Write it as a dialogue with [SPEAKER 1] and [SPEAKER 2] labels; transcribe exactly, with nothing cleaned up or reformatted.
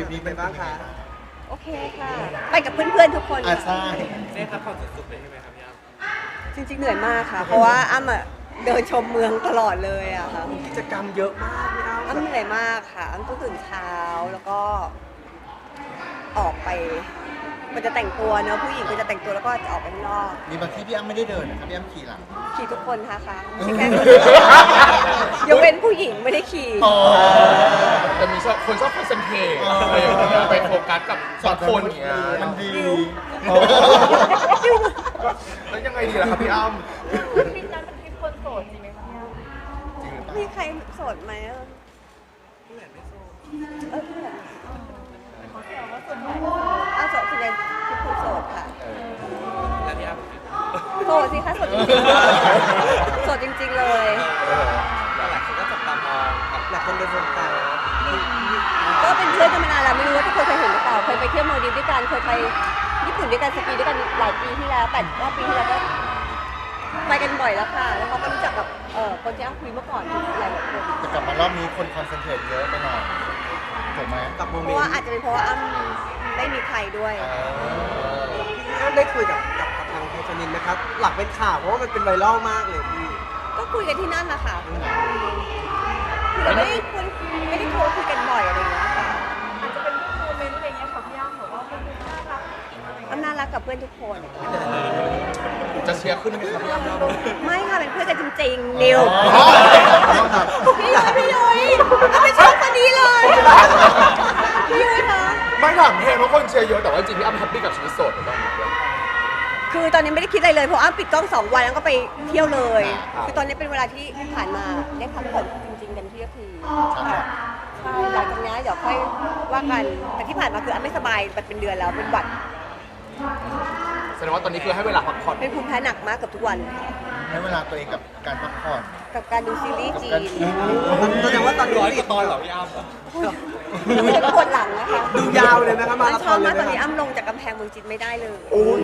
[SPEAKER 1] ริปนี้เป็นบ้างคะ
[SPEAKER 2] โอเคค่ะ ไปกับเพื่อนๆทุกคน
[SPEAKER 1] อ่ะ
[SPEAKER 2] ค่ะ
[SPEAKER 1] ใช่
[SPEAKER 3] ได้พักผ่อนสุดๆเลยใช่ไหมครับพี่อ้ำ
[SPEAKER 2] จริงๆเหนื่อยมากค่ะ เพราะว่าอ้ำอะเดินชมเมืองตลอดเลยอะค่ะ
[SPEAKER 1] กิจกรรมเยอะมากพี่อ้ำ
[SPEAKER 2] อ้ำเหนื่อยมากค่ะอ้ำต้องตื่นเช้าแล้วก็ออกไป มันจะแต่งตัวเนอะผู้หญิงก็จะแต่งตัวแล้วก็จะออกไปข้างนอก
[SPEAKER 1] มีบางที่พี่อ้ำไม่ได้เดินนะครับพี่อ้ำขี่หลัง
[SPEAKER 2] ขี่ทุกคนค่ะค่ะไม่ใช่แค่คนเดียวยกเว้นผู้หญิงไม่ได้ขี่
[SPEAKER 1] อ๋อ
[SPEAKER 4] แต่มีชอบคนชอบคอนเซนเทรตอะไรอย่างเงี้ยไปโฟกัสกับบางคนอย่างเงี้ย
[SPEAKER 1] มันดี
[SPEAKER 4] แล้วยังไงดีล่ะครับพี่อ้ำ
[SPEAKER 5] ทริปนั้นเป็นทริปคนโสดจริงไหมคะพี่อ้ำ
[SPEAKER 4] จริงหรือเปล่า
[SPEAKER 2] มีใครโสดไหมอะเออเพื่อน
[SPEAKER 5] เขาแซวว่าส่วนใหญ่
[SPEAKER 2] อ้าวโสดส่วนใหญ่คือคนโสดค่ะ
[SPEAKER 3] แล้วพี่อ้ำ
[SPEAKER 2] โสดสิคะโสดจริงๆโสดจริงๆเลย
[SPEAKER 3] แต่หลายคนก็จับตามองกับหลายคนเป็นสนใจ
[SPEAKER 2] ก็เป็นเพื่อนกันมานานแล้วไม่รู้ว่าทุกคนเคยเห็นหรือเปล่าเคยไปเที่ยวมาลดีฟด้วยกันเคยไปญี่ปุ่นด้วยกันสกีด้วยกันหลายปีที่แล้วแปดเก้าปีที่แล้วก็ไปกันบ่อยแล้วค่ะ แล้วเขาก็รู้จักกับเอ่อคนที่อ้ำคุยเมื่อก่อนหลายหลายคน
[SPEAKER 1] แต่กลับมารอบนี้คนคอนเซนเทรตเยอะไปหน่อยถูกไหม
[SPEAKER 3] กับโม
[SPEAKER 2] เพ
[SPEAKER 3] เมน
[SPEAKER 2] ราะว่า
[SPEAKER 3] ต์
[SPEAKER 2] อาจจะเป็นเพราะว่าอ้ำไม่มีใครด้วย
[SPEAKER 3] พี่อ้ำได้คุยกับกับกับทางไทยชนินนะครับ หลักเป็นข่าวเพราะว่ามันเป็นไวรัลมากเลยพี่
[SPEAKER 2] ก็คุยกันที่นั่นนะคะแต่ไม่ได้คุยไม่ได้โทรคุยกันบ่อยอะไรอย่างเงี้ยค่ะ
[SPEAKER 5] อาจจะเป็นโมเมนต์อะไรเงี้ยค่ะพี่อ้ำแบบว่าเป็นน่ารัก
[SPEAKER 2] อ้ำน่ารักกับเพื่อนทุกคน
[SPEAKER 4] จะเชียร์ขึ้นไหมครับพี่อ้ำ
[SPEAKER 2] ไม่ค่ะเป็นเพื่อนกันจริงๆนิว
[SPEAKER 1] อ๋อ
[SPEAKER 2] พี่ยุ้ยพี่ยุ้ยอ้ำไม่ชอบคนนี้เลยพี่ยุ้ยคะ
[SPEAKER 4] ไม่ถามเพลงเพราะคนเชียร์เยอะแต่ว่าจริงๆพี่อ้ำแฮปปี้กับชีวิตโสดหรือเปล่า
[SPEAKER 2] คือตอนนี้ไม่ได้คิดอะไรเลยเพราะอ้ำปิดกล้องสองวันแล้วก็ไปเที่ยวเลย คือตอนนี้เป็นเวลาที่ผ่านมาได้พักผ่อนจริงๆเต็มที่ก็คือค่ะใช่หลังจากนี้เดี๋ยวค่อยว่ากันแต่ที่ผ่านมาคืออ้ำไม่สบายมันเป็นเดือนแล้วเป็นหวัด
[SPEAKER 4] แสดงว่าตอนนี้คือให้เวลาพักผ่อน
[SPEAKER 2] เป็นภูมิแพ้หนักมากกับทุกวัน
[SPEAKER 1] ให้เวลาตัวเองกับการพักผ่อน
[SPEAKER 2] กับการดูซีรีส์จี
[SPEAKER 1] กับ
[SPEAKER 2] น
[SPEAKER 1] การ
[SPEAKER 3] แสดงว่าตอนนี้ติดตอนเหรอพี่อ้ำ
[SPEAKER 2] แล้วมันจะปวดหลังนะคะ
[SPEAKER 3] ดูยาวเลยนะครับมา
[SPEAKER 2] มัน
[SPEAKER 3] รา
[SPEAKER 2] ช
[SPEAKER 3] ธ
[SPEAKER 2] อ
[SPEAKER 3] อบ นเล
[SPEAKER 2] มาย กตอน
[SPEAKER 3] นะ
[SPEAKER 2] นี้
[SPEAKER 3] ครับ
[SPEAKER 2] อ้ำลงจากกำแพงเมืองจีนไม่ได้เลย